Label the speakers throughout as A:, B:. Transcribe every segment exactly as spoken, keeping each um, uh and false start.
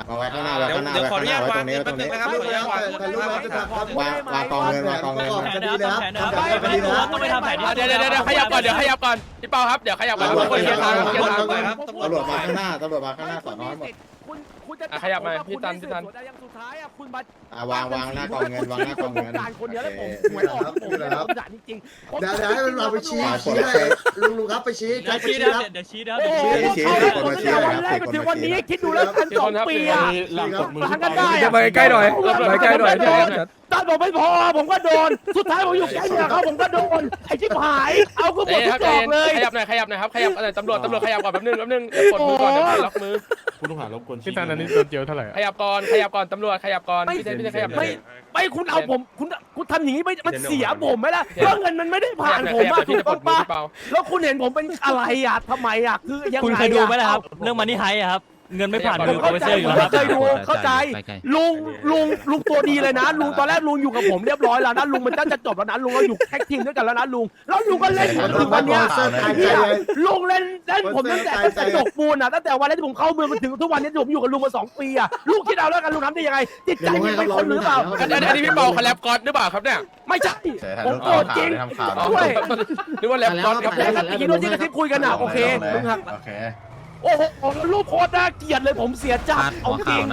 A: มาไว้ข้างหน้าไว้ข้างหน้า
B: เดี๋ยว
A: ไว้
B: ขอ
A: ข้า
B: อง
A: ห
B: นุ
A: น้า
B: ญาต
A: ไว้ตรงนี้ไว้ตรงนี้
B: วางนะครับ
C: ไม่
B: ขออนุญาตวาง
C: ถ่ายรูปแล้วจะทำครับ
A: วางวางกองเงินวางกองเงิน
C: คดีเลยครับ
D: ไม่ไม่ไม่ต้องไปทำแผน
E: เดี๋ยวเดี๋ยวเดี๋ยวขยับก่อนเดี๋ยวขยับก่อนพี่เปาครับเดี๋ยวขยับก่อนทุกคนเคลียร์ทางเคลียร์ทาง
A: ตำรวจมาข้างหน้าตำรวจมาข้างหน้าสอนอหมด
C: คุณคุณจะ
E: อ่ะขยับมาพี่ตันพี่ตัน
C: อย่างสุดท้ายอ่ะคุณมา
A: อ่ะวางวางหน้ากองเงินวางหน้ากองเงิน
C: การคนเดียวแล้วผมหวยออกผมเลยครับจริงๆ
D: เดี๋ยวเดี๋ยวให้มันเราไปชี้ชี้เลยลุงลุงครับไปชี้ใช้
F: เดี๋ยว
D: ไป
F: ชี้
D: ชี้
F: นะ
D: ครับ
F: เดี๋ยวชี้นะ
C: โอ้โหเขาตั้งแต่วันแรกถึงวันนี้คิดดูแล้วกันสองปีอ่ะ
D: หลังจากมือ
C: ทางกันได้
G: จะไปใกล้หน่อยไปใกล้หน่อย
C: ตอนผมไม่พอผมก็โดนสุดท้ายผมอยู่แค่เดียวเขาผมก็โดนไอ้ชิบหายเอาก็หมด
E: เอ้ย
C: ทุ
E: ครับ
C: กดอกเลย
E: ขยับหน่อยขยับหน่อยครับขยับอะไรตำรวจตำรวจขยับก่อนแป๊บนึงแป๊บนึงเดี๋ยวกดมือก่อนเดี๋ยวล็อกมือ
B: ผู้ต้องหารบกวน
G: พี่ตันอันนี้โดนเจียวเท่าไหร่
E: ขยับก่อนขยับก่อนตำรวจขยับก่อนพี่เจพี่เจขยับหน่
C: ไม่
E: อย
C: ไม่คุณเอาผมคุณคุณทำอย่างนี้ไม่มันเสียผมไหมล่ะเพราะเงินมันไม่ได้ผ่านผม
E: ขยับ
C: มา
E: หน่อย
C: ถู
E: พี่
C: ก
E: จะปล
C: ต้อง
E: ดมือ
C: ปะ
E: พี่เปา
C: แล้วคุณเห็นผมเป็นอะไรอ่ะทำไมอ่ะคือยังไง
F: คุณเคยดูไหมล่ะครับเรื่องมันนี่ไฮอะครับเงินไม่ผ่าน
C: ผ
F: มื
C: ม
F: อโปร
C: เข้า
F: เฟส
C: ใจ
F: เซอร์อยู่
C: ผม
F: แล้วครับ
C: เคยดูเข้าใจลุงลุงลุงตัวดีเลยนะลุงตอนแรกลุงอยู่กับผมเรียบร้อยแล้วนะลุงมันจะจบแล้วนะลุงเราอยู่แท็กทีมด้วยกันแล้วนะลุงแล้วลุงก็เล่นจนถึงวันเนี้ยลุงเล่นเล่นผมตั้งแต่ตั้งแต่จบปูนอ่ะตั้งแต่วันแรกที่ผมเข้าเมืองมาถึงทุกวันนี้ที่ผมอยู่กับลุงมาสองปีอ่ะลุงคิดเอาแล้วกันลุงทำได้ยังไงจิตใจมึงเป็นคนหรือเปล่า
E: อันนี้อันนี้พี่เปาคอลแลบก่อนหรือเปล่าครับเนี่ย
C: ไม่ใช่ผมโกรธจริง ด้วย
E: หรือว่าแลบก่อนครับ
C: แล้วก็คิดว่าที่กระซิบคุยกันอ่ะโอเคมึงหัก
A: โอเค
C: โอ้โหรูปโคตรน่าเกลียดเลยผมเสียจัดเอาจริง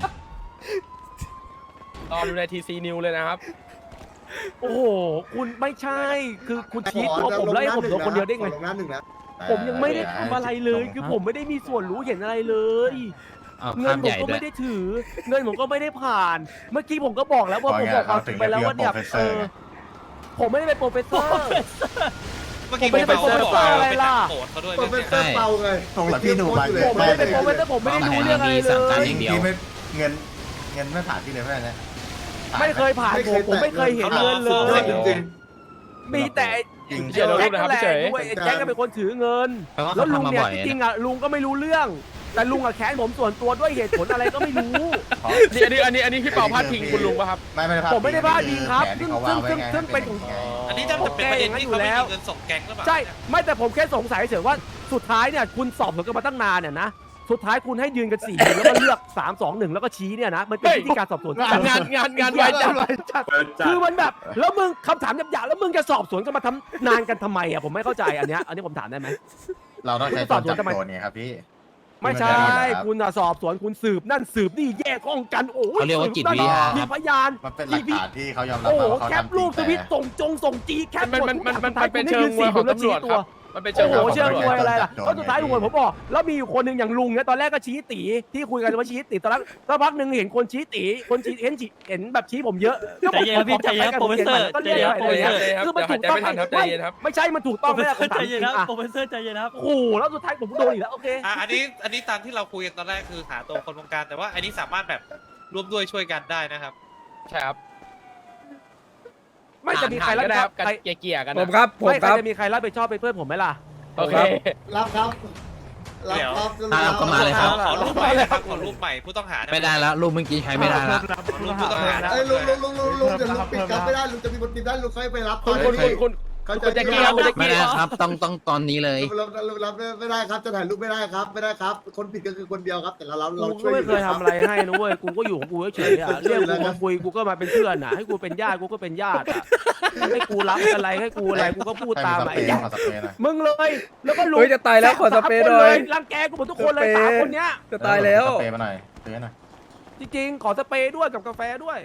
E: รอดูในทีซีนิวเลยนะครับ
C: โอ้โหคุณไม่ใช่คือคุณชี้ตัวผมแล้วให้ผมโดนคนเดียวได้ไง
D: ลงน้ำหนึ่งนะ
C: ผมยังไม่ได้ทำอะไรเลยคือผมไม่ได้มีส่วนรู้เห็นอะไรเลยเงินผมก็ไม่ได้ถือ เงินผมก็ไม่ได้ผ่าน เมื่อกี้ผมก็บอกแล้วว่าผมบอกความจริงไปแล้วว่าเนี่ยเออผมไม่ได้เป็นโปรเฟสเซอร์
B: เมื่อกี้พี่เปาบอกว่าเป็นนักโกรธเขาด้วย
D: โปรเฟสเซอร์เปาไง
A: ตรงหลังพี่ดูไป
C: ผมไม่ได้เป็นโปรเฟสเซอร์ผมไม่ได้รู้เรื่องอะไรเลย
A: พี่ไม่เงินเงินไม่ผ่านพี่เลยไม่ได้นะ
C: ไม่เคยผ่านผมผมไม่เคยเห็นเงินเลย
D: จริง
C: มีแต่
A: จริง
C: แจ็คนั่นแหละด้วยแจ็คก็เป็นคนถือเงิน แล้วลุงเนี่ยจริงๆอ่ะลุงก็ไม่รู้เรื่อง แต่ลุงอ่ะแค้นผมส่วนตัวด้วยเหตุผลอะไรก็ไม่รู้
E: อันนี้อันนี้อันนี้พี่เปาพาดพิงคุณลุงป่ะครับ
A: ไม่ไม่ได้พลาด
C: ผมไม่ได้พลาดพิงครับซึ่งซึ่งซึ่งซึ่งเป็นของ
B: อันนี้จะเป็นประเด็นที่เขาไม่มีเงินส่งแก๊งหรือเปล่า
C: ใช่ไม่แต่ผมแค่สงสัยเฉยว่าสุดท้ายเนี่ยคุณสอบสวนกันมาตั้งนานเนี่ยนะสุดท้ายคุณให้ยืนกันสี่คนแล้วก็เลือกสามสองหนึ่งแล้วก็ชี้เนี่ยนะมันเป็นวิธีการสอบสวน
E: งานงานงานงานไวจัด
C: คือมันแบบแล้วมึงคำถามหยาบๆแล้วมึงจะสอบสวนกันมาทำนานกันทำไมอ่ะผมไม่เข้าใจอันเนี้ยอันนี้ผมถามได้ไหม
A: เราต้องใช้ตัวจับโจรเนี่ยครับพี่
C: ไม่ใช่คุณอะสอบสวนคุณสืบนั่นสืบนี่แยกห้องกันโอ้ย
H: เขาเรียกว่าจิตวิทยา
C: มีพยาน
A: มันเป็นหลักฐานที่เขายอมรับ
C: โอ้โห
A: ว่าเขา
C: แคป
A: ทำจริ
C: รู
A: ง
C: ปสวิตช์ส่งจงส่งจีแคป
E: มันมันมันมันมันเป็นเชิงมวยของตำรวจครับมันเป็นเชิ
C: โอ้
E: ง
C: โห
E: มวยของ
C: เชิง
E: ตำร
C: ม
E: ว
C: วย
E: จ
C: อะไรล่ะก็สุดท้ายลุงผมบอกแล้วมีอยู่คนหนึ่งอย่างลุงเนี่ยตอนแรกก็ชี้ตีที่คุยกันว่าชี้ตีตอนแรกสักพักหนึ่งเห็นคนชี้ตีคนชี้เห็นชี้เห็นแบบชี้ผมเยอะ
F: ใจเย็นครับพี่ใจเย็นครับโปรเฟสเซอร์ใจเย็นครับโปรเฟสเซอร์
C: คือมันถูกต้องไม่ใช่มันถูก
F: โป
C: ต้
F: ร
C: อง
F: เฟ
C: ไม่
F: ส
C: ได้
F: เซอร์ใจเย็นครับโปรเฟสเซอร์ใจเย็นครับ
C: โอ้โหแล้วสุดท้ายผมโดนอีกแล้วโอเค
B: อ่ะอันนี้อันนี้ตามที่เราคุยกันตอนแรกคือหาตัวคนวงการแต่ว่าอันนี้สามารถแบบร่วมด้วยช่วยกันได้นะครับ
E: ใช่ครับ
C: ไม่จะมีใครรับ
E: ก็
C: ผิด
E: ได้
C: ช
E: ค
C: อ
E: รั
C: บบ
E: กัน
C: ใคร
E: เกี่ยๆกัน
G: ผมครับผม
C: ไม่ใค
G: ค
C: ร
G: รับ
C: จะมีใครรับผิดชอบเป็นเพื่อนผมไหมล่ะ
E: โอเค
D: รับครับรับครับ
H: เอาก็มาเลยครับ
B: ขอรูปใหม่นะครับขอรูปใหม่ผู้ต้องหา
H: ไม่ได้แล้วรูปเมื่อกี้ใช้ไม่ได้แล้ว
B: ขอรูปผู้ต้องหา
D: ไอ้ลุงลุงลุงลุงลุงเดี๋ยวลุงปิดครับไม่ได้ลุงจะมีคนปิดได้ลุงค่อยไปรับ
E: คุณคุณคุณคุณ
D: เขาจะ
E: คุณแจ็คกี้ครับคุณแจ็ค
H: ไม่
E: กี้
H: ได้ครับต้องต้องตอนนี้เลย
D: รับรับรับไม่ได้ครับจะถ่ายรูปไม่ได้ครับไม่ได้ครับ คนผิดก็คือคนเดียวครับ แต่เราเราเรา
C: กู
D: ช่
C: ก็
D: วย
C: ไม่เคยทำอะไรให้นะเว้ยกูก็อยู่ของกูเฉยๆอ่ะเรียกกูมาคุยกูก็มาเป็นเพื่อนอ่ะให้กูเป็นญาติกูก็เป็นญาติอ่ะให้กูรับอะไรให้กูอะไรกูก็พูดตาม
A: ใคร
C: ไอ้
A: มีสเปรย์
C: ญา
A: ขอสเปรย์หน่อย
C: มึงเลยแล้วก็ลุง
G: เฮ้ยจะตายแล้วขอสเปรย์หน่อย
C: รังแกกูหมดทุกคนเลยสามคนเนี้ย
G: จะตายแล้ว
A: สเปรย์มาหน่อยสเปรย์หน่อย
C: จริงๆขอสเปรย์ด้วยกับกาแฟด้วย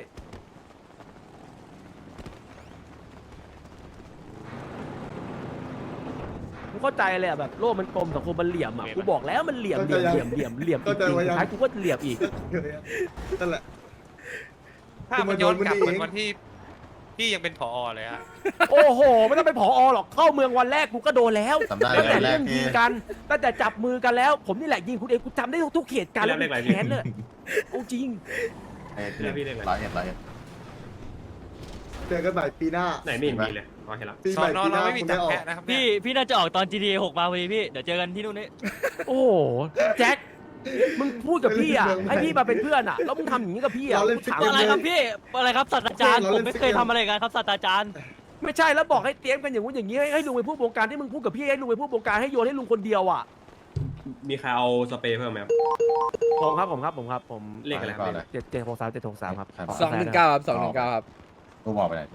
C: กูเข้าใจเลยอ่ะแบบโลกมันกลมสังคมมันเหลี่ยมอ่ะกูบอกแล้วมันเหลี่ยมเหลี่ยมเหลี่ยมเหลี่ยมเหลี่ยมจริงๆสุดท้ายกูก็เหลี่ยมอีก
D: นั่นแหละ
B: ถ้ามันย้อนกลับเหมือนวันที่พี่ยังเป็นผอเลยอะ
C: โอ้โหไม่ต้องเป็นผอหรอกเข้าเมืองวันแรกกูก็โดนแล้ว
A: จำได้
C: ตั้งแต่
A: แร
C: เรื่
A: ก
C: อง
A: ที่
C: ยิงกันตั้งแต่จับมือกันแล้ว ผมนี่แหละยิงคุณเองกูจำได้ทุกเหตุการณ์แล้วมันแค้นเลยเอาจริง
A: เอ้ยร้อยเอ็ดร้อยเอ็ด
D: เจอกันใหม่ปีหน้า
B: ไหนไม่มีเลยพอเห็นแล้ว
D: ปี
B: ส
D: ให
B: อ
D: ม่
B: นอ
D: ปีห
B: เรา
D: น้า
B: ไม่มี
D: คุณ
B: จั
D: ได้
B: บ
D: ออก
B: แพะนะครับ
F: พี่พี่น่าจะออกตอน จี ที เอ หกมาพอดีพี่เดี๋ยวเจอกันที่นู่นนี่
C: โอ้โหแจ็คมึงพูดกับพี่อ่ะให้พี่มาเป็นเพื่อนอ่ะแล้วมึงทำอย่างนี้กับพี่อ่ะ
D: เราเล่น
C: กูถาม
D: ฟิกเก
F: อะไรครับพี่อะไรครับศาสตราจารย์ผมไม่เคยทำอะไรกันครับศาสตราจารย์
C: ไม่ใช่แล้วบอกให้เตรียมกันอย่างงู้นอย่างนี้ให้ให้ลุงไปพูดวงการที่มึงพูดกับพี่ให้ลุงไปพูดวงการให้โยนให้ลุงคนเดียวอ่ะ
I: มีใครเอาสเปรย์เพิ่มไหมครับ
C: ผมครับผมครับผมครับผม
I: เลขอะไรครับ
C: เจ็ดเจ็ดหกสามเจ็ดหกสามครับ
G: สองหนึ่งเก้าครับสองหนึ่งเก้าครับ
A: กูบอกไปไหน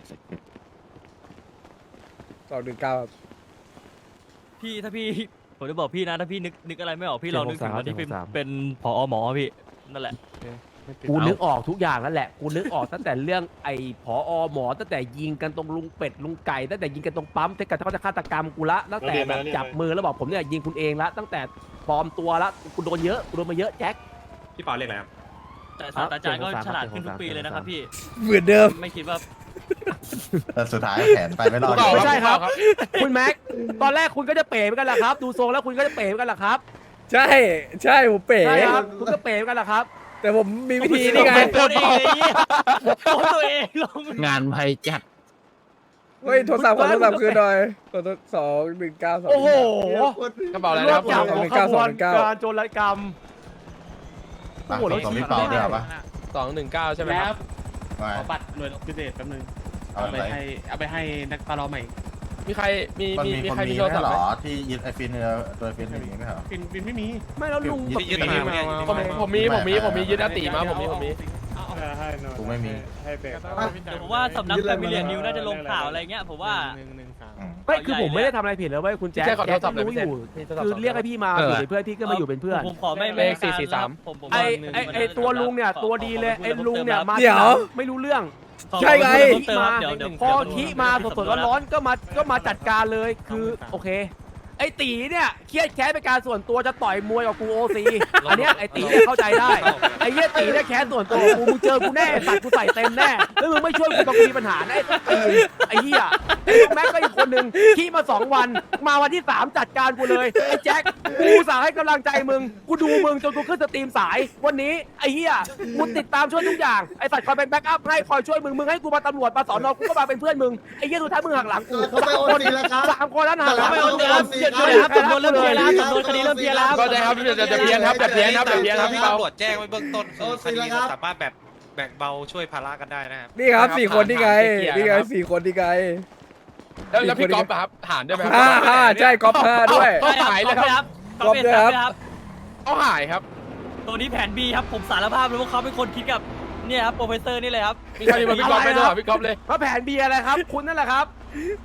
G: สองหนึ่งเก้าครับ
F: พี่ถ้าพี่ผมจะบอกพี่นะถ้าพี่นึกนึกอะไรไม่ออกพี่ลองนึกถึงตอนที่เป็นเป็นผอหมอพี่นั่นแหละ
C: กูนึกออกทุกอย่างแล้วแหละกูนึกออกตั้งแต่เรื่องไอ้ผอหมอตั้งแต่ยิงกันตรงลุงเป็ดลุงไก่ตั้งแต่ยิงกันตรงปั๊มตั้งแต่เขาจะฆาตกรรมกูละตั้งแต่แบบจับมือแล้วบอกผมเนี่ยยิงคุณเองละตั้งแต่ปลอมตัวละกูโดนเยอะกูโดนมาเยอะแจ็ค
I: พี่เปาเลขอะไรครับ
F: แต่ศาสตราจารย์ก็ฉลาดขึ้นทุกปีเลยนะครับพี่
G: เหมือนเดิม
F: ไม่คิดว่า
A: แต่สุดท้ายแผนไปไม่รอด
C: ไม่ใช่ครับ คุณแม็กตอนแรกคุณก็จะเป๋เหมือนกันแหละครับ ดูทรงแล้วคุณก็จะเป๋เหมือนกันแหละครับ
G: ใช่ใช่ผมเป๋
C: ใช่ครับคุณก็เป๋เหมือนกันแหละครับ
G: แต่ผมมีวิธีนี่ไง
F: ตัวเองเลยโดนตัวเองลง
H: งานภัยจัด
G: เฮ้ยโทรศัพท์ขอโทรศัพท์คืนหน่อยขอโทษสองหนึ่งเก้าสอง
C: โอ้โห
E: กระเป๋าอะไร
C: ร
E: นะ
C: ว
E: ครั
C: บบ จับ
G: สอง
C: หั
G: ห
C: ว
G: นึ่ง
C: ข
G: เก้า
C: บ
G: สอง
C: วน
G: หนึ่งเก้า
C: การโจรกรรม
A: โอ้โหเราพี่เปาด้วยเหรอปะ
E: สองหนึ่งเก้าใช่ไหมครับ
A: ไม่
I: ขอบัตรหน่วยพิเศษแป๊บนึง
A: เอา
I: เอา
A: ไป
I: ไปให้เอาไปให้นักปลาเราใหม่
E: มีใครมี
A: มัน
E: มี
A: มี
E: มี
A: คน
E: ใคร
A: มี
E: มีโทร
A: ไม่
E: ศัพท์
A: หร
E: ไหม
A: อที่ยึดไอฟินเนื้อตัวฟินอย่างนี้ไม่เหรอ
I: ฟินฟินไม่มี
C: ไม่แล้วลุงแบบ
B: ยึดมาเนี่ย
E: ผมผมมีผมมีผมมียึดอติมาผมมีผมมี
A: กูไม่มี
F: เดี๋ยวผมว่าสำนักแฟมิเลียนิวน่าจะลงข่าวอะไรเงี้ยผมว่า
A: อืม
C: ไม่คือผมไม่ได้ทำอะไรผิดเลยเว้ยคุณแจ๊ค
E: พี่แจ๊คขอโท
C: แจ๊
E: ร
C: ค
E: ศัพท์หน่อย
C: รู้
E: พี่
C: อยู่
E: แจ๊ค
C: คือเรียกให้พี่มาอยู่เป็นเพื่อนพี่ก็มาอยู่เป็นเพื่อน
F: ผมขอไม่
E: เลขสี่สี่สาม
F: ผมผม
C: ไอไอไอตัวลุงเนี่ยตัวดีเลยไอลุงเนี่ยมา
G: เดี๋ยว
C: ไม่รู้เรื่อง
G: ใช่ไง
C: มา
F: เดี๋ยวเดี๋ยว
C: พอขี้มาสดๆร้อนๆก็มาก็มาจัดการเลยคือโอเค ไอตีเนี่ยเครียดแค้นเป็นการส่วนตัวจะต่อยมวยกับกูโอซีอันเนี้ยไอตีเนี่ยเข้าใจได้ไอเหี้ยตีเนี่ยแค้นส่วนตัวกูมึงเจอกูแน่สัตว์กูใส่เต็มแน่แล้วมึงไม่ช่วยกูตอนกูมีปัญหาแน่ไอ้ไอ้เหี้ยไอ้ลูกแม็กก็อีกคนนึงขี้มาสองวันมาวันที่สามจัดการกูเลยไอ้แจ็คกูสาให้กำลังใจมึงกูดูมึงจนกูขึ้นสตรีมสายวันนี้ไอ้เหี้ยกูติดตามช่วยทุกอย่างไอ้สัตว์คอยเป็นแบ็กอัพให้คอยช่วยมึงมึงให้กูมาตำรวจมาสอนอกูก็มาเป็นเพื่อนมึงไอ้เหี้ยสุดท้ายมึงหักหลังกู
D: เขาไปโอนตีแล้วครับ
C: สามคนแล้วหักหลัง
F: ไม่เอาเดี๋ยวเดี๋ยวเดี๋ยวครับจำนวนเริ่มเพี้ยนแล้วจำนวนคดีเริ่มเพี้ยนแล้ว
E: ก็ได้ครับเดี๋ยวจะเพี้ยนครับแบบเพี้ยนครับแบบเพี้ยนครับพี่เปา
B: ตำรวจแจ้งไว้เบื้องต้นคือ
D: โอ้
B: คดี
D: สิแล้วครับ
B: สามารถแบบแบ่งเบาช่วยภาระกันได้นะครับ
G: นี่ครับสี่คนนี่ไงนี่ไงสี่คนนี่ไง
E: แล้วแล้วพี่ก๊อฟอะครับหารด้วยไหมครั
G: ห้าห้าใช่ก๊อฟห้าด้วย
E: เขาหายเลยครับ
F: ก๊อปด้วยครับ
E: เขาหายครับ
F: ตัวนี้แผน B ครับผมสารภาพเลยว่าเขาเป็นคนคิดกับเนี่ยครับโปรเฟสเซอร์นี่เลยครับ
E: มีใครมีมาพี่ก๊อฟไปด้วยเหรอพี่ก๊อฟเลย
C: ว่าแผนเบียอะไรครับ คุณนั่นแหละครับ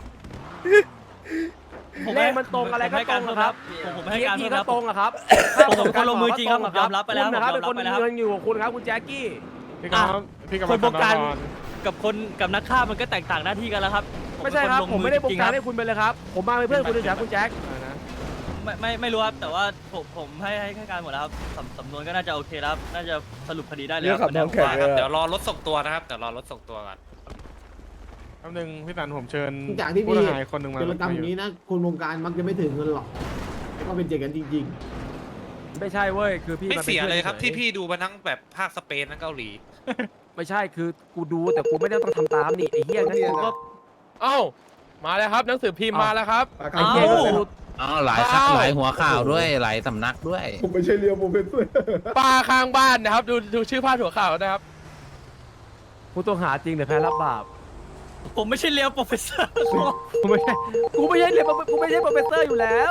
C: เลขมันตรงอะไรก็ตรงอะครับ
F: ผมผม
C: เ
F: ให้การ
C: ที
F: เพิ่ม
C: ก็
F: ครับ
C: ตรงอะครับ
F: ผมผมก็ลงมือจริงครับผมยอมรับไปแล้ว
C: คุณนะครับ
F: ผม
C: เป็น
F: ยอ
C: ค
F: ม
C: น
F: รับไปแล้ว
C: เงินอยู่กับคุณครับคุณแจ็คกี้
G: พี่ก๊อฟพี่ก๊อฟ
F: คนบงการกับคนกับนักฆ่ามันก็แตกต่างหน้าที่กันแล้วครับ
C: ไม่ใช่ครับ
F: ผ
C: ผมไม่ได้บ
F: จ
C: ง
F: ริงๆ
C: การ
F: ค
C: ให้
F: บ
C: คุณไปเลยครับ ผมมาเป็นเพื่อนคุณเฉยๆคุณแจ็ค
F: ไม่ไม่ไม่รู้ครับแต่ว่าผมผมให้ให้ให้การหมดแล้วครับสำสำนวนก็น่าจะโอเคแล้วครับน่าจะสรุปคดีได้เลย
G: เรื่องขับน้องแข็ง
B: ครับเดี๋ยวรอรถส่งตัวนะครับเดี๋ยวรอรถส่งตัวก่อน
G: คำหนึ่งพี่ตันผมเชิญ
J: จากที่
G: ผู้
J: พี่
G: ต้องหาคนหนึ่งมา
J: จรกรรมอย่างนี้นะคนวงการมักจะไม่ถึงเงินหรอกแล้วก็เป็นเจกันจริง
C: ไม่ใช่เว้ยคือพี่
B: ไม่
C: มาป็น
B: เสีย
C: พื่อน
B: เลยครับ
C: ฉ
B: ที่พี่ดูมาทั้งแบบภาคสเปนทั้งเกาหลี
C: ไม่ใช่คือกูดูแต่กูไม่ได้ต้องทำตามนี่ไอ้เหี้ยงั้นกูก็
E: เอ้ามาแล้วครับหนังสือพิมพ์มาแล้วครับ
C: ไอ้เหี้ยก็คือ
H: อ๋อหลายครับหลายหัวข่าวด้วยหลายสำนักด้วย
D: ๆผมไม่ใช่เรียวผมเป็นเพื่อน
E: ป้าข้างบ้านนะครับดูดูชื่อพาดหัวข่าวนะครับ
C: ผู้ต้องหาจริงหรือแพ้รับบาป
F: ผมไม่ใช่เลี้ยวโปรเฟสเซอร์
C: กูไม่ใช่กูไม่ใช่เรียนกูไม่ใช่โปรเฟสเซอร์อยู่แล้ว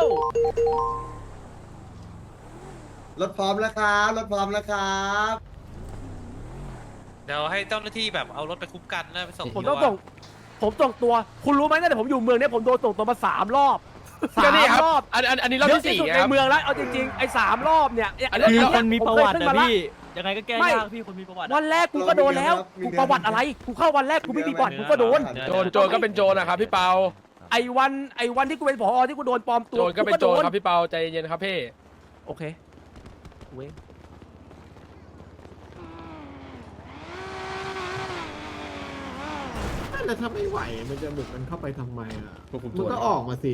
D: รถพร้อมแล้วครับรถพร้อมแล้วครับ
B: เดี๋ยวให้เจ้าหน้าที่แบบเอารถไปคุ้มกันนะไปส่ง
C: ผมต้องส่งผมส่งตัว คุณรู้ไหมตั้งแต่ผมอยู่เมืองเนี้ยผมโดนส่งตัวมาสามรอบสา
E: ก็
C: ม
E: นี่ครับ
C: รอบ
E: อันอันอันนี้รอบ
C: เยอะ
E: ที่
C: ที่
E: สี่
C: สุด
E: ค
C: ใน
E: รับ
C: เมืองแล้วเอาจริงๆไอ้สามรอบเนี่ย
E: อันนี้
F: มี
C: เย
F: คนมีประวัติ
C: ผเคย
F: นะ
C: ขึ้นมาละ
F: พี่ยังไงก็แก้ยากพี่คนมีประวัติ
C: วันแรกกูก็โดนแล้วกูประวัติอะไรกูเข้าวันแรกกูไม่มีประวัติกูก็โดน
E: โจรโจรก็เป็นโจรนะครับพี่เปา
C: ไอ้วันไอ้วันที่กูเป็นผอที่กูโดนปลอมตัว
E: โจรก็เป็นโจร
C: โด
E: ครับพี่เปาใจเย็นครับพี่
C: โอเคเว้ย
J: ๆแล้วถ้าไม่ไหวมันจะบุกมันเข้าไปทำไมอ่ะ
I: ควบคุม
J: มั
I: ตั
J: น
I: ว
J: ก็ออกมาสิ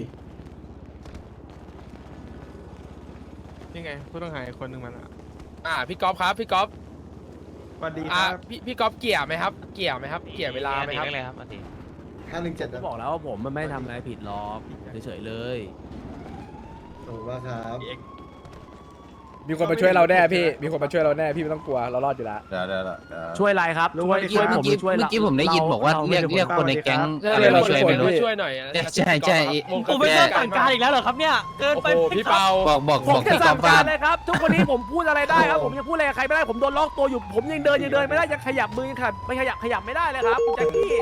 G: นี่ไงผู้ต้องหาคนหนึ่งมาละ
E: อ่าพี่ก๊อฟครับพี่ก๊อฟ
G: สวัสดีค
E: อ่า
G: รับ
E: พี่พี่ก๊อฟเกี่ยไหมครับ เกี่ยไหมครับ เกี่ยเวลาไหมครับ
D: ห้าหนึ่งเจ็ด
C: ก็บอกแล้วว่าผมมันไม่ทำอะไรผิดหรอกเฉยๆเลย
D: ขอบคุณมากครับ
G: มีคนมาช่วยเราแน่พี่มีคนมาช่วยเราแน่พี่ไม่ต้องกลัวเรารอดอยู่แล้ว
A: เดี๋ยวเดี๋ยวเดี๋ยว
C: ช่วยอะไรครับช่วยช่วยผมหรือช่วย
H: เมื่อกี้ผมได้ยินบอกว่าเรียกเรียกคนในแก๊ง
G: เออ
H: อะไร
G: เรา
H: มาช่วย
G: ช่วย
H: ไม่รู้
G: พี่
E: ช่วยหน่อย
H: ใช่ใช่
F: ผมไม่เชื่อสั่งการอีกแล้วเหรอครับเนี่ยเกิน
E: โอ้
F: ไป
E: โห
F: ไหม
E: พี่
F: ครับ
E: เปา
H: บอกบอก
C: ผ
H: บ
C: ม
H: อก
C: จะ
H: ที่ก
C: สั่
H: อง
C: ง
H: บ้า
C: การ
H: น
C: เลยครับทุกคนนี้ผมพูดอะไรได้ครับผมยังพูดอะไรกับใครไม่ได้ผมโดนล็อกตัวอยู่ผมยังเดินยังเดินไม่ได้ยังขยับมือยังขยับไม่ขยับขยับไม่ได้เลยครับคุณแจ็คกี้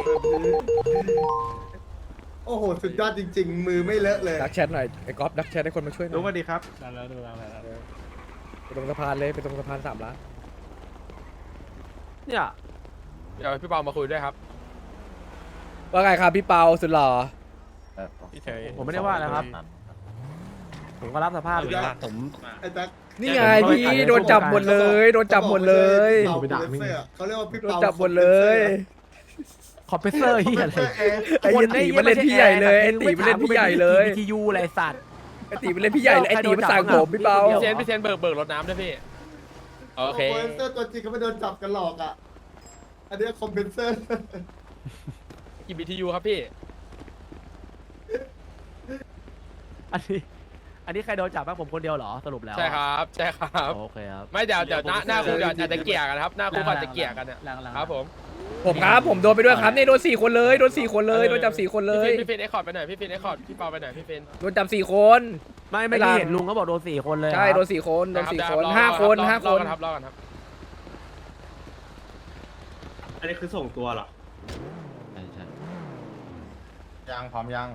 D: โอ้โหสุดยอดจริง ๆ มือไม่เลอะเลย
G: ดักแชทหน่อยไอ้ก๊อฟดักแชทให้คนมาช่วยหน่อย
A: รู้ว่าดีครับ
G: ไปตรงสะพานเลยไปตรงสะพานสามล้าน
C: เนี่ย
E: เดี๋ยวพี่เปามาคุยด้วยครับ
G: ว่าไงครับพี่เปาสุดหล่อ
E: พี่เฉย
C: ผมไม่ได้ว่านะครับ ผมก็รับสภาพอยู่แล้ว
B: ผม
D: ไอ้แจ็ค
G: นี่ไงพี่โดนจับหมดเลยโดนจับหมดเลย
D: เขาบอกไม่ใช่พี่เปาเขาเรียกว่าพี่
G: โดน
D: เปา
G: จับหมดเลย
C: คอมเพรสเซอร์ที่อะไร
G: ไอ้เหี้ยตีมันเล่นพี่ใหญ่เลยไอ้ตีมันเล่นพี่ใหญ่เลย
C: วิทยุอะไรสัตว์
G: ไอ้ตีมันเล่นพี่ใหญ่เลยไอ้ตีมันสั่งผมพี่เปา
E: พี่เซนพี่เซนเบิกเบิกรถน้ำด้วยพี่โอเค
D: คอมเพนเซอร์ตัวจริงเขาไม่โดนจับกันหรอกอ่ะอันนี้คอมเพนเซอร์
E: กี่บีทียูครับพี่
C: อันนี้อันนี้ใครโดนจับบ้างผมคนเดียวเหรอสรุปแล้ว
E: ใช่ครับใช่ครับ
C: โอเคครับ
E: ไม่เดี๋ยวเดี๋ยวหน้าหน้าคุกเดี๋ยวอาจจะเกลี่ยกันครับหน้าคุกอาจจะเกลี่ยกันเนี่ยครับผม
G: ผมครับผมโดนไปด้วยครับนี่โดนสี่คนเลยโดนสี่คนเลยโดนจับสี่คนเลย
E: พี่ฟินเอ็กคอร์ดไปหน่อยพี่ฟินเอ็กคอร์ดพี่เปาไปหน่อยพี่ฟิน
G: โดนจับสี่คน
C: ไม่ไม่ได้เห็นลุงเขาบอกโดนสี่คนเลย
G: ใช่โดนสี่คนโดนสี่คนห้าคนห้าคน
E: รอกันครับรอกันครับ
I: อันนี้คือส่งตัวเหรอ
A: ยังพร้อมยัง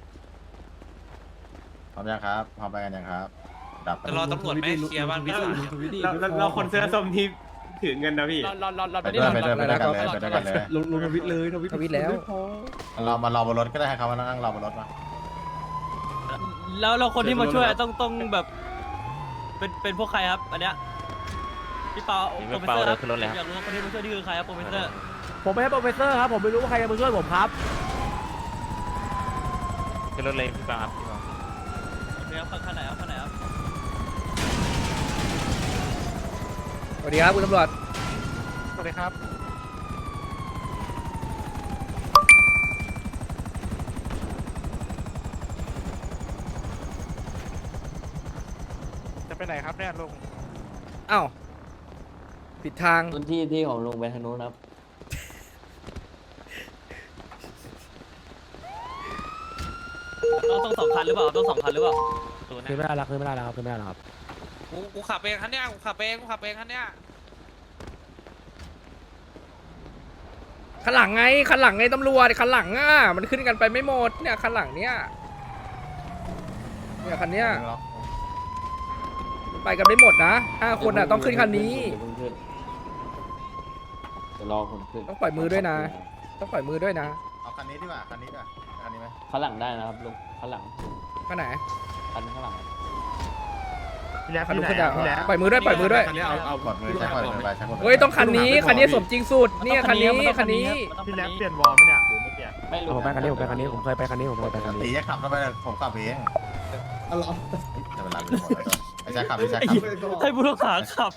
A: พร้อมยังครับพร้อมไปกันยังครับดับ
B: จะรอตำรวจไหมเคลียร์บ้านพิศา
I: เราเราคนเสื้อส้มที่ถือเงินนะพี่
E: รอรอรอรอ
A: ไปด้วยไปด้วยไปด้วยกันเลยไปด้วยกันเลย
J: ลงลงทวิตเลยทวิต
G: ทวิตแล้ว
A: เรามารอบนรถก็ได้ให้เขามานั่งรอบนรถมา
F: แล้วเราคนที่มาช่วยต้องต้องแบบ เป็นเป็นพวกใครครับอันเนี้ยพี่เปาโปรเฟสเซอร์ครับอยากรู้ว่าคนที่มาช่วยนี่คือใครครับโปรเฟสเซอร์
C: ผมไม่ใช่โปรเฟสเซอร์ครับผมไม่รู้ว่าใครจะมาช่วยผมครับ
F: ขึ้นรถเลยพี่เปาครับโอเคครับข้างไหนครับข้างไหนครับ
G: สวัสดีครับคุณตำรวจ
E: สวัสดีครับ
B: จะไปไหนครับเนี่ยลุง
G: อ้าวผิดทาง
F: พื้นที่ที่ของลุงไปทางนู้นครับต้องต้องสองคันหรือเปล่าต้องสองคันหรือเปล่า
C: คือไม่ได้แล้วคือไม่ได้แล้วครับคือไม่ได้แล้วครับ
B: กูกูขับเองคันเนี้ยกูขับเองกูขับเองคันเนี้ย
G: คันหลังไงคันหลังไงตำรวจคันหลังอ่ะมันขึ้นกันไปไม่หมดเนี่ยคันหลังเนี่ยเนี่ยคันเนี้ยมันไปกันไม่หมดนะห้าคนอ่ะต้องขึ้นคันนี้
F: จะรอคนขึ้น
G: ต้องปล่อยมือด้วยนะ ต้องปล่อยมือด้วยนะ
A: เอาคันนี้ดีกว่าคันนี้ดีกว่าคันนี้ไหม
F: ข้างหลังได้นะครับลุงข้างหลัง
G: คันไหน
F: คันข้างหลัง
G: คันนู้นขึ้นได้ปล่อยมือด้วยปล่อยมือด้วย
A: เอาเอากดมือใช้กดมือไปใช้กดมือ
G: เฮ้ยต้องคันนี้คันนี้สมจริงสุดเนี่ยคันนี้คันนี้
F: พี่แล็บเปลี่ยน
C: ไม่ผมไปคันนี้ผมไปคันนี้ผมเคยไปคันนี้ผมเคยไปคัน
A: ตี
C: นี้
A: จะขับเข้าไปเลยผมขับเอง
D: อ๋อเหรอ
A: จะเป็นไรไปหมดแล้วไอ้แจ็คขับไอ้แจ็คขับ
F: ให้ผู้ต้องหาขับ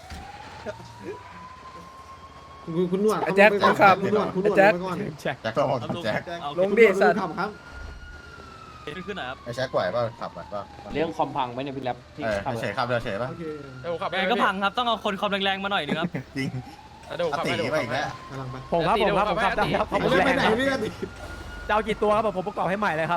J: คุณคุณหนวด
G: ไอ้แจ็คคนขับ
J: คุณหนวดคุณหน
G: ไอ้
J: วด
G: แจ็ค
J: ไปก่อน
C: แจ็ค
A: แจ็คก็บอกแจ็ค
G: ลงดิสัตว์
J: ขับครับ
F: ขึ้นหน่อยครับ
A: ไอ้แจ็คไหวป่ะขับป่ะ
F: เรื่องคอมพังไหมเนี่ยพี่แล็บที่
A: เออ
F: ขับ
A: เฉยขับเรือเฉยป่ะ
J: โอเค
E: เดี๋ยวผมขับไป
F: ยังไงก็พังครับต้องเอาคนความแรงๆมาหน่อยนึงครับ
A: จริง
E: เดี๋ยวผม
A: อ
E: ขับ
A: ติ
E: ไปเดี๋ยว
A: ไป
E: ผม
A: อี
E: ขับ
A: ก
E: ไป
A: แล้ว
C: ผมครับผมครับผมครับได้ครับผม
D: ไม่
C: แร
D: ไป
C: ง
D: ไหน
C: ครับ
D: พี่กัน
C: จะเอากี่ตัวครับผมผมประกอบให้ใหม่เลยครับ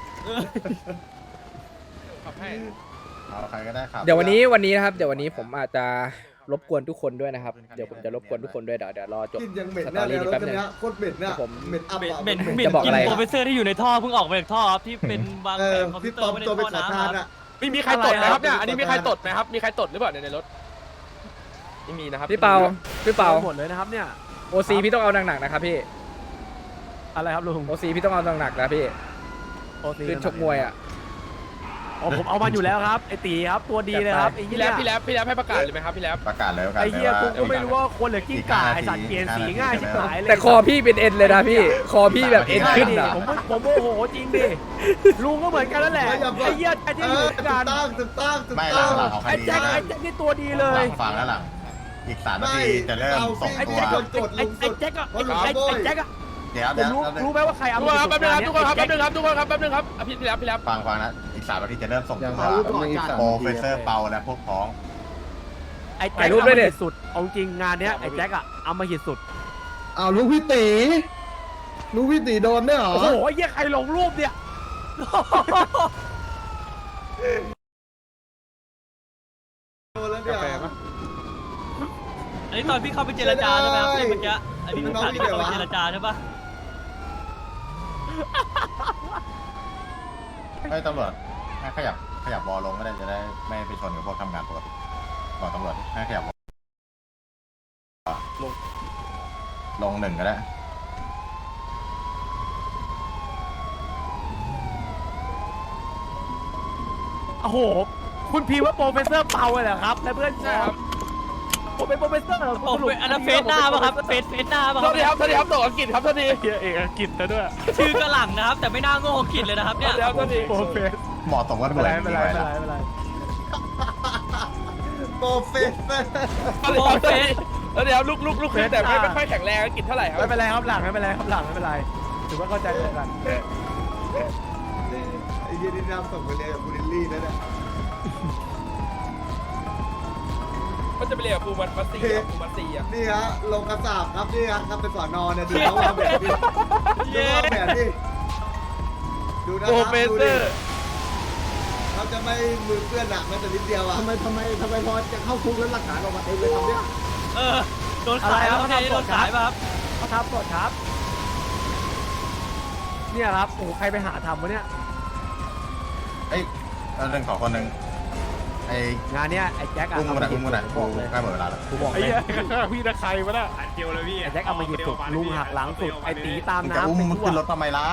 E: ขับให้
A: เอาใครก็ได้ขับ
G: เดี๋ยววันนี้วันนี้นะครับเดี๋ยววันนี้ผมอาจจะรบกวนทุกคนด้วยนะครับเดี๋ยวผมจะรบกวนทุกคนด้วยเดี๋ยวเดี๋ยวรอจบ
D: กินยังเหม็นแน่เลยรถคันเนี้ยโคตรเหม็นเนี่ย
G: ผม
D: เหม็นอับ
F: เหม็น
D: อะ
F: เหม็น
G: ผม
F: เหม็น
G: จะบอก
F: กิ
G: อะไร
F: นโปรเฟสเซอร์ที่อยู่ในท่อเพิ่งออกมาจากท่อครับที่เป็นบาง
D: เอ
F: แผ
D: อง
F: คอมพิ
D: พี่
F: วเต
D: ป
F: อ
D: อ
F: ร์
D: ม
F: ไม่ได้
D: ตัวไป
F: ท่อ
D: ขอ
F: น้ำ
D: ทาน
F: ครั
D: อะ
F: บ
E: ไม่มีใครตดนะครับเนี่ยอันนี้มีใครตดไหมครับมีใครตดหรือเปล่าในรถไม่มีนะครับ
G: พี่เปาพี่เปา
C: หมดเลยนะครับเนี่ย
G: โอซีพี่ต้องเอาหนักๆนะครับพี่
C: อะไรครับลุง
G: โอซีพี่ต้องเอาหนักๆนะพี่
C: โอซี
G: ขึ้นชกมวยอ่ะ
C: อ๋อผมเอามาอยู่แล้วครับไอตีครับตัวดีเลยครับไอ้
E: พี่
C: เหี้
E: แล้
C: ยว
E: พี่แล้วพี่แล้วให้ประกาศเลยไหมครับพี่แล้ว
A: ประกาศเลยประกาศ
C: ไอ้
A: เลย
C: เหี้ย
A: ว่า
C: กูก็ไม่รู้ว่าคนหรือกิ้งก่าไอสัตว์เปลี่ยนสีง่ายชิบหายเลย
G: แต่คอพี่เป็นเอ็นเลยนะพี่คอพี่แบบเอ็น
C: ใช่
G: ขึ้น
C: ดิ
G: อ่ะ
C: ผมผมโมโหจริงดิลุงก็เหมือนกันนั่นแหละไอ้เหี้ยไอ้ที่
D: เอ
C: อยู่
D: อ
C: ด้วย
D: ถู
C: กั
D: ก
C: น
D: ต้องถูกต้องถูก
A: ไม่ห
D: ต้
A: ลั
D: อง ง
A: หลังของ
C: ไอ้
A: คดี
C: แจ็คไอ้แจ็คนี่ตัวดีเล
A: หลั
C: ย
A: งฟังแล้วหลังอีกสามนาทีจะเริ่มส่ง
C: ไอ้
A: ตัว
C: แจ็คอะไอ้ไอ้แจ็คอะไอ้ไอ้ไอ้แจ็คอะ
A: เดี๋ยว
C: ผ
A: เดี๋ย
C: ม
A: ว
C: รู้รู้ไหมว่าใครเอา
E: ทุกคนครับแป๊บนึงครับทุกคนครับแป๊บนึงครับทุกคนครับแป๊บนึงครับอ่ะพี่พี่แล้วพี่แล้ว
A: ฟังฟังนะอีกสามนาทีจะเริ่มส่งตัว
J: เอาก่อนจัด
A: โปรเฟสเซอร์เปาและพวกพ้อง
C: ไอ้
G: ถ่า
C: แจ็
G: ย
C: ค
G: รูปด้วยดิ
C: สุดเอาจริงงานเนี้ยไอ้แจ็คอะเอามาหิดสุด
J: อ้าวลุงพี่ตีลุงพี่ตีโดนด้วยเหรอ
C: โอ้โหไอ้เหี้ยใครลงรูปเนี่ย
D: โดนแล้วเนี่ย
F: อันนี้ตอนพี่เข้าไปเจรจาใช่ไหมครับที่เมื่อกี้อันนี้พี่ถามที่เข้าไปเจรจาใช่ปะ
A: ให้ตำรวจให้ขยับขยับวอลลงก็ได้จะได้ไม่ไปชนกับพวกทำงานปกติบอกตำรวจให้ขยับวอลลงลงหนึ่งก็ได้
C: โอ้โหคุณพีว่าโปรเฟสเซอร์เปาเลยเหรอครับและเพื่อนครับผมเป็นโปรเฟสเซอร์เหรอ
F: โอ้เป็นอันนั้นเฟสหน้าป่ะครับเฟสเฟสหน้าป่ะ
E: สวัสดีครับสวัสดีครับตัวอังกฤษครับสวัสดี
C: เฮียเอกอังกฤษนะด้วย
F: ชื่อกระหลังนะครับ แต่ไม่น่าโง่อังกฤษเลยนะครับเนี่ย
E: สวัสดีครับสวัสดี
C: โปรเฟส
A: เหมาะสมกับห
C: ไม่
A: น่วย
C: เป็นไรไม่เป็นไรไม่เป็นไร
D: โปรเฟสเซอร์
E: สวัสดีครับสวัสดีครับลูกลูกลูกคือแต่ไม่ไม่ค่อยแข็งแรงอังกฤษเท่าไหร่ครับ
C: ไม่เป็นไรครับหลังไม่เป็นไรครับหลังไม่เป็นไรถือว่าเข้าใจกัน
D: ไอ้ยี่นี่นำส่งไปเรียนกับบูริลลี่นั่นแหละ
E: มันจะไปเรียนกับปูมันมัสซีครับปูมัสซีอ่ะ
D: นี่ฮะลงกระสาบครับนี่ฮะครับเป็นสอนอเนี่ยดูเขาวางแผนดิดูเขาวางแผนดิดูนะค
E: โปร
D: รับ
E: เฟส
D: ดู
E: เซ
D: ดิ
E: อร์
D: เขาจะไม่มือเปื้อนหนักแม้แต่นิดเดียวอ่ะ
J: ทำไมทำไมทำไมพอจะเข้าคุกแล้วหลักฐานออกมาเองเลยทำเนี่ย
F: เออโดนขายป่ะเนี่ยโดนขายป่ะครับ
C: เขาทำกดครับเนี่ยครับโอ้ใครไปหาทำวะเนี่ย
A: เอ้ยเอาเรื่องของคนหนึ่งไอ้
C: งานเนี้ยไอ้แจ็คอะ
A: อุ้มมันอะอุ้มมันอะ
C: บ
A: กู
C: อกเลย
A: ใกล้หมดเวลาแล้ว
C: กูบอก
E: ไอ้
C: เลย
E: เหี้ยพี่นะใครวะน่ะ
I: อันเดียวเลยพี่
C: ไอ้แจ็คเอามาหยิบสุดลุงหักหลังสุดไอ้ตีตาม
A: มึงจะอุ้ม
C: น้ำไป
A: มึง
C: ทั่ว
A: ขึ้นรถทำไมล่ะ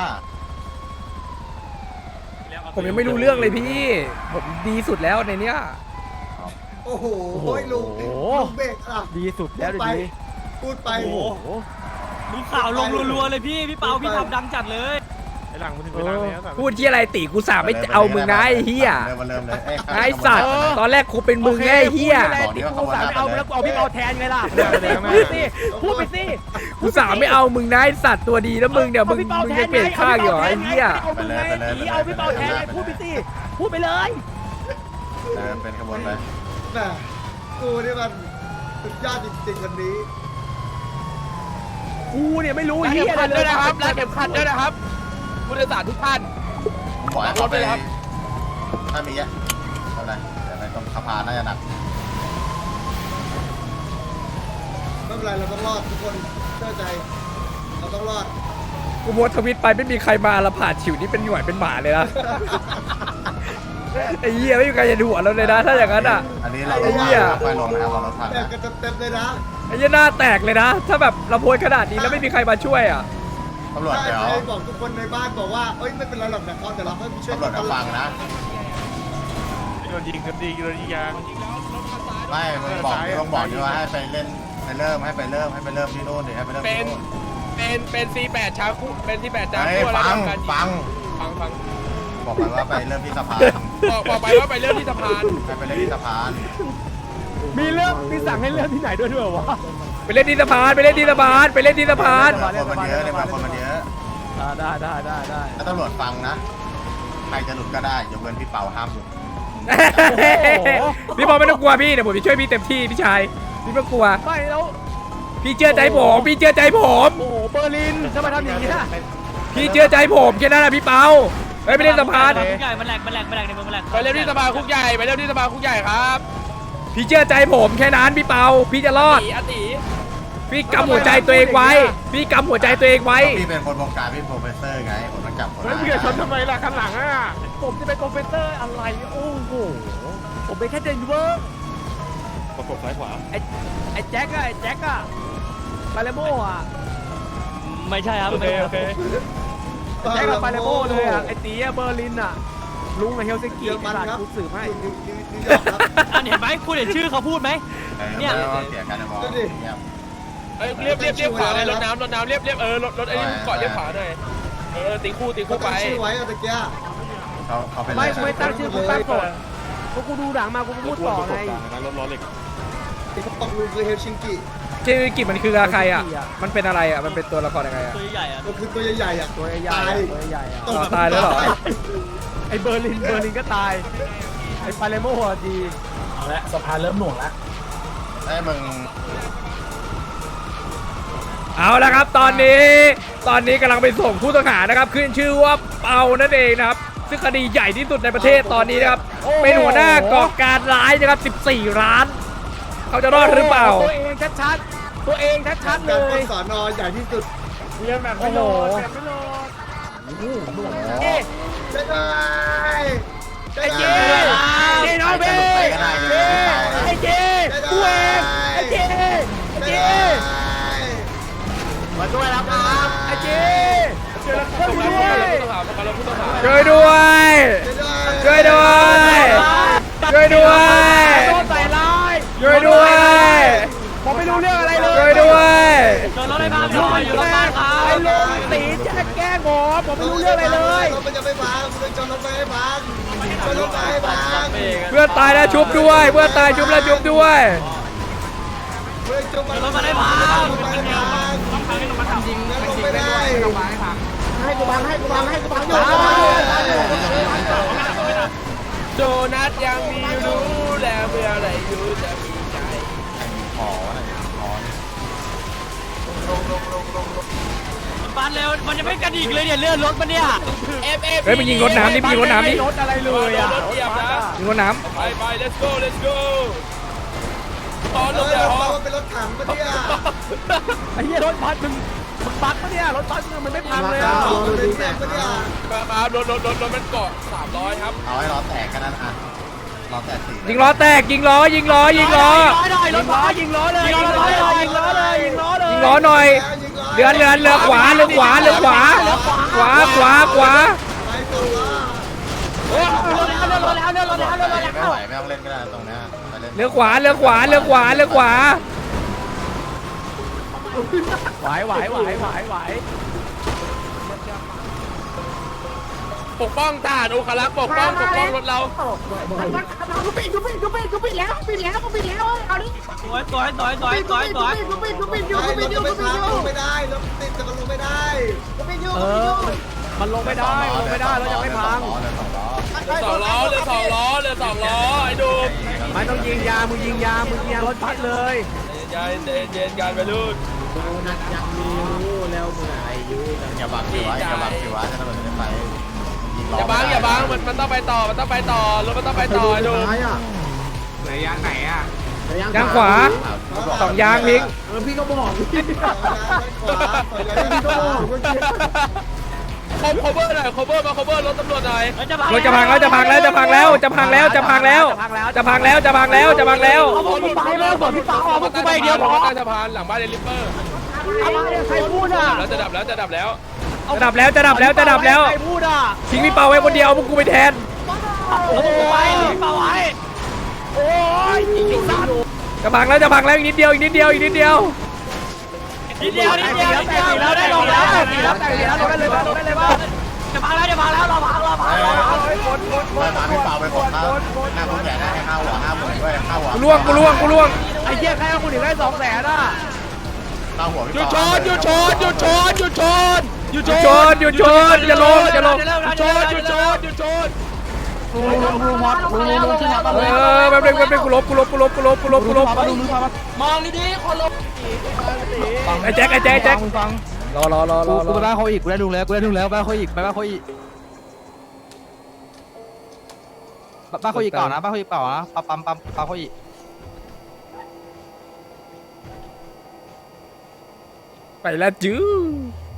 G: ผมยังไม่รู้เรื่องเลยพี่ ผมดีสุดแล้วในเนี้ย
D: โอ้โหโอ้ยลุงลุงเบรกอ่ะ
C: ดีสุดแล้วเดี๋ยวนี้
D: พูดไป
C: โอ้โห
F: ดูข่าวลงรัวๆเลยพี่พี่เปาพี่ทำดังจัดเลย
E: ไอ้หลังมันถึงเวลาแล้ว
G: พูดที่อะไรตีกูสาไม่เอามึงนะไอ้เหี้ย
A: เริ่มมาเริ่มเลย
G: ไอ้สัตว์ตอนแรกกูเป็นมึงไงไอ้เหี้ย
C: บอกดิกูสามไม่เอาแล้วกูเอาพี่เปาแทนไงล่ะพูดไปสิพูดไปสิ
G: กูสาไม่เอามึงนะไอ้สัตว์ตัวดีแล้วมึงเดี๋ยวมึงมึงจะเปลี่ยนข้างอยู่เหรอไอ้เหี้ย
C: เอามึงไงตีเอาพี่เปาแทนไงพูดไปสิพูดไปเลย
A: เออเป็นขบวนไป
D: แม่กูนี่มันสุดยอดจริงๆวันนี้
C: กูเนี่ยไม่รู้
E: รัก
C: เฮี
E: เข็
C: ย
E: ม
C: อะไร
E: ขัด
C: เล
E: ด้วย ยนะครับรักเข็มขัดด้วยนะครับผู้โดยสารทุกท่าน
A: ผมบอกให้เขาไป
E: รถด้วยครับ
A: ถ้ามีอ่ะเท่าไหร่เดี๋ยวไปตรงสะพานน่าจะหนัก
D: ไม่เป็นไรเราต้องรอดทุกคนเชื่อใจ เราต้องรอด
G: กูโพสต์ทวิตไปไม่มีใครมาละผ่านฉิวนี่เป็นหน่วยเป็นหมาเลยนะ ไอ้เหี้ยไม่มีใครจะดูหัวเราเลยนะ ถ้าอย่างนั้นอ่ะ
A: อันนี้เรา
G: ไอ้เหี้ย
A: ไปลงนะครับเรารถพัง
D: แตก
A: นะ
D: กันเต็มๆเลยนะ
G: ไอ้เหี้ยหน้าแตกเลยนะ ถ้าแบบเราโพสต์ขนาดนี้แล้วไม่มีใครมาช่วยอ่ะ
A: ตำรวจ
D: ใช่
A: เดี๋ยว
D: ใครบอกทุกคนในบ้านบอกว่าเอ้ยไม่เป็นไรหรอกนะเขาแต่เราให้ไปช่วย
A: ตำรวจ
D: กั
A: จะ
D: น
A: ฟังนะ
E: โดนยิงกันดีโดนยิงยาง
A: ไม่มึงบอกต้องบอกด้วยว่าให้ไปเล่นไปเริ่มให้ไปเริ่มให้ไปเริ่มที่โน่นเดี๋ยวให้ไปเริ่ม
E: เป็
A: ที่
E: น
A: โน่น
E: เป็นเป็นซีแปดชาคุเป็นซีแปดชา
A: เฮ้ย
E: คุแล้ว
A: ฟัง
E: ทำการยิ
A: ฟัง
E: ฟังฟัง
A: บอกไปว่าไปเริ่มที่สะพาน
E: บอกบอกไปว่าไปเรื่องที่สะพาน
A: ให้ไปเริ่มที่สะพาน
C: มีเรื่องมีสั่งให้เรื่องที่ไหนด้วยด้วยวะ
G: ไปเล่นที่สะพานไปเล่นที่สะพานไปเล่นที่สะพาน
A: คนมันเยอะเนี่ยคนมันเยอะ
C: ได้ได้ได้ได้
A: ถ้าตำรวจฟังนะใครจะหลุดก็ได้ยกเว้นพี่เปาห้ามหลุด
G: พี่บอลไม่ต้องกลัวพี่เดี๋ยวผมจะช่วยพี่เต็มที่พี่ชายพี่ไม่ต้องกลัว
C: ไม่แล้ว
G: พี่เชื่อใจผมพี่เชื่อใจผม
C: โอ้โหเบอร์ลินจะมาทำอย่างนี้
G: พี่เชื่อใจผมแค่นั้นนะพี่เปาเฮ้ยไปเล่นสะพาน
F: คุกใหญ่มันแหลกมันแหลกมันแหลกในเมืองมันแหลก
E: ไปเรื่องที่สะพานคุกใหญ่ไปเรื่องที่สะพานคุกใหญ่ครับ
G: พี่เชื่อใจผมแค่นั้นพี่เปาพี่จะรอด
E: ตีอติ
G: พี่กำหัวใจตัวเองไว้ พี่กำหัวใจตัวเองไว้
A: พี่เป็นคนวงการพี่โปรเฟสเซอร์ไงผมต้องจับคน
E: เฮ้ย
A: ได้
E: มึงจะชนทำไมล่ะข้างหลังอ่ะ
C: ผมจะเป็นโปรเฟสเซอร์อะไรโอ้โหผมเป็นแค่เดนเวอร์
E: ประกบซ้ายขวา
C: ไอ้ไอ้แจ็คอะไอ้แจ็คอะปาเลโมอะ
F: ไม่ใช่ครับ
E: โอเคโอเค
C: แจ็คกับปาเลโมเลยอะไอ้ตีอะเบอร์ลินอะลุงกับเฮลซิงกิ
D: เยอรมัน
C: ตลาด
D: ครับ
C: กูสืบให้
D: นิวนิวนิวยอร์กครับ
F: อันเห็นไหมคุณเห็นชื่อเขาพูดไหม เนี่
A: เนี่ย ยเสียการมองเนี่ย
E: เอ้ยเรียบเรียบเรียบขวาเลยรถน้ำรถน้ำเรียบเรียบเออรถรถไอ้นี่เกาะเรียบขวาหน่อยเออตีคู่ตี
D: เขา
E: คู่ไป
D: ตั้งชื่อไว้อะตะเกีย
A: เขาเขาเป็น
C: ไม่
A: อะไร
C: กูไม่ตั้งชื่อกูตั้งกฎเพราะกูดูหนังมากูก็พูดต่อไง
E: รถล้อเหล็ก
D: ที่เขาบอกลุงคือเฮลชิงกิ
G: ชื่อกิจมันคือใครอ่ะมันเป็นอะไรอ่ะมันเป็นตัวละครยังไงอ่ะ
F: ตัวใหญ่อะ
D: ก็คือตัวใหญ่ๆอ่ะ
C: ตัวใหญ่
D: ตาย
C: ๆตัวใหญ่อะ
D: ตก
G: ตายแล้วเหรอ
C: ไอ้เบอร์ลินเบอร์ลินก็ตายไอ้ปาเลโมอะดี
J: เอาละสะพานเริ่มหน่วงแล้ว
A: ไอ้มึง
G: เอาละครับตอนนี้ตอนนี้กำลังไปส่งผู้ต้องหานะครับขึ้นชื่อว่าเปานั่นเองนะครับซึ่งคดีใหญ่ที่สุดในประเทศตอนนี้นะครับเป็นหัวหน้าก่อการร้ายนะครับสิบสี่ร้านเขาจะรอดหรือเปล่า
C: ตัวเองชัดๆตัวเองชัดๆเล
D: การปล้
C: ย
D: นสอนอใหญ่ที่สุด
C: โอ้โห
D: เอ๊ะจะได้จะ
C: ไอ้เจ
D: ได้
C: เจน้องเบ้ไอ้เจกูเองไอ้เจไอ้เจมาช่วยแล้วครับไอ้เจช่วยด้วย
G: ช่วยด้วยช่วยด้วยช่วยด้วย
C: โดนใส่ร้าย
G: ช่วยด้วย
C: ผมไม่รู้เรื่องอะไรเลย
G: ช่วยด้วย
F: โดนรถไอ้บ้านหน่อยอยู่รถบ้านครับ
C: ไอ้ลุงตีแจ้งแกล้งผมผมไม่รู้เรื่องอะไรเลย
D: รถมันจะไม่พังมันจะรถไม่ให้พังชนรถไม่ให้พัง
G: เพื่อนตายแล้วชุบด้วยเพื่อนตายชุบแล้วชุบด้วย
D: เพื่อนจมมัน
F: รถมาได้พัง
D: รถไม่ให้พังมันยิงมันยิงไม่ได้
J: ให้กูบังให้กูบังให้กูบังอยู่
E: โดนัทยังมีรู้แล้วเมื่อไรรู้จะมีใจ
A: ขออะไรขอ
F: บ้านเร็วมันจะไม่กระดิกเลยเนี่ยเลื่อนรถมันเนี่ย
E: เอฟเอฟ
G: เฮ้ยมันยิงรถน้ำนี่มันยิงรถน้ำนี่
C: รถอะไรเลยอ่ะ
E: รถเหยียบนะ
G: ยิงรถน้
E: ไปไป let's go let's go ตอน
D: เอ
E: ร
D: อ
E: ถเดี๋ยว
D: เราเป็นรถถังปะเนี่ย
C: ไอ้เหี้ยรถบัสมึงมึงบัสปะเนี่ยรถบัสมึงมันไม่พังเลยอ่ะ
D: เราเป็นแม่ปะเนี่ย
E: ครับรถรถรถรถมันเกาะสามร้อยครับ
A: เอาให้ล้อแตกกันนั่นอ่ะล้อแตกสี่
G: ำยิงล้อแตกยิงล้อยิงล้อยิงล้อ
C: ยิงล้อยิงล้อเลยยิงล้อเลยยิงล้อเลยยิงล้อเลย
G: ยิงล้อหน่อยเรือเรือเรือขวาเรือขวาเรือขวาขวาขวาขวา
D: ไปตัวละ
C: เรือแล้วเรือแล้วเรือแล้วเรือแล้วเรือแล้ว
A: ไม่ไหวไม่ต้องเล่นก็ได้ตรงเนี้ยไปเล่น
G: เรือขวาเรือขวาเรือขวาเรือขวา
C: ไหวไหวไหวไหวไหว
E: ปกป้องทหารโอคารักษ์ปกป้องปกป้องรถเรา
J: กูปิดกูปิดกูปิดกูปิดแล้วปิดแล้วกูปิดแล้วเอาดิ
F: สวยสวยสวยสวยสวยสวย
J: กูปิดกูปิดอยู่
D: ไป
J: กู
D: ร
J: ปิ
D: ถ
J: ดอ
D: จะ
J: ยู่
D: ไม่
J: กูปิด
D: พัง
J: อยู่
D: ลงไม่ได้รถติดจะลงไม่ได้
J: กูปิดอยู่
C: เออมันลงไม่ได้ลงไม่ได้แล้วยังไม่พัง
A: สองล้อเลยสองล้อ
E: เรือสองล้อเรือสองล้อไอ้ดู
C: ไม่ต้องยิงยามึงยิงยามึงยิงยารถพัดเลย
E: ใจเย็นเย็นกันไปรุ่น
J: นัดยังมีรู้แล้วเมื่ออายุ
A: อย่าบังสิวะอย่าบังสิวะจะทำอะไรไม่ไปยิงล้อ
E: อย่าบังอย่าบังมันมันต้องไปต่อมันต้องไปต่อรถมันต้องไปต่อไอ้ดู
J: ท้ายอ่ะ
I: ไหนยางไหนอ่ะ
G: ยางขวาสองยางพิง
J: เออพี่ก็บอกพี่
D: ขวาถอยหลัง
J: พี่ก็บอกเมื่อกี้
E: คอม cover หน่อย cover มา cover รถตำรวจหน่อย
G: รถจะพังแล้วจะพังแล้วจะพังแล้วจะพังแล้วจะพังแล้วจะพังแล้วจะพังแล้วจะพังแล้ว
C: เอาผมพี่ป๋าเลยผมพี่ป๋าออกมากูไปเดียวพอ
E: ใต้สะพานหลังบ้านเดลิเปอร์
C: อะไรใครพูดอ่ะ
E: แล้วจะดับแล้วจะดับแล้ว
G: จะดับแล้วจะดับแล้วจะดับแล้ว
C: ใครพูดอ่ะ
G: ทิ้งพี่เปาไว้คนเดียวพวกกูไปแทน
C: โอ้ยเปล่าไว้โอ้ยยิงอยู่สัตว์
G: จะพังแล้วจะพังแล้วอีกนิดเดียวอีกนิดเดียวอีกนิดเดียว
F: นิดเดียวนิดเดียว
C: แต่สีแล้วได้ลงแล้วแต่สีแล้วแต่สีแล้วลงได้เลยบ้างลงได้เลยบ้าง
F: จะพังแล้วจะพังแล้วเราพังเราพังเราพัง
C: คนคนค
A: เดิ
C: น
A: นตามพี่เปาไปกดข้าวหน้าคุณแก่ได้ให้ข้าวหัวห้าหมื่นด้วยข้าวหัว
G: กูล่วงกูล่วงกูล่วง
C: ไอ้เหี้ยใครเอาคุณถึงได้สองแสนอ่ะ
A: ข้าวหัวพี่
E: หยุด
A: เปา
E: ชนหยุดชนหยุดชนหยุดชนหยุด
G: หยุ
E: ช
G: ดช
E: น
G: นหยุดชนอย่าลงอย่าลง
E: หยุดชนหยุดชนหยุดชน
H: ลุงลุงลุงมอสลุงลุงลุงขึ้นมา
G: เออแป๊บนึงแป๊บนึงกูลบกูลบกูลบกูลบกูลบกูลบ
F: มองดีๆคนลบ
G: ไอ้แจ็คไอ้แจ็คไอ้แจ็ค
H: ฟัง
G: รอรอรอรอ
H: กูไปบ้านเขาอีกกูได้ลุงแล้วกูได้ลุงแล้วบ้านเขาอีกไปบ้านเขาอีกบ้านเขาอีกก่อนนะบ้านเขาอีกก่อนนะปั๊มปั๊มปั๊มปั๊มเขาอีก
G: ไปแล้วจื้อ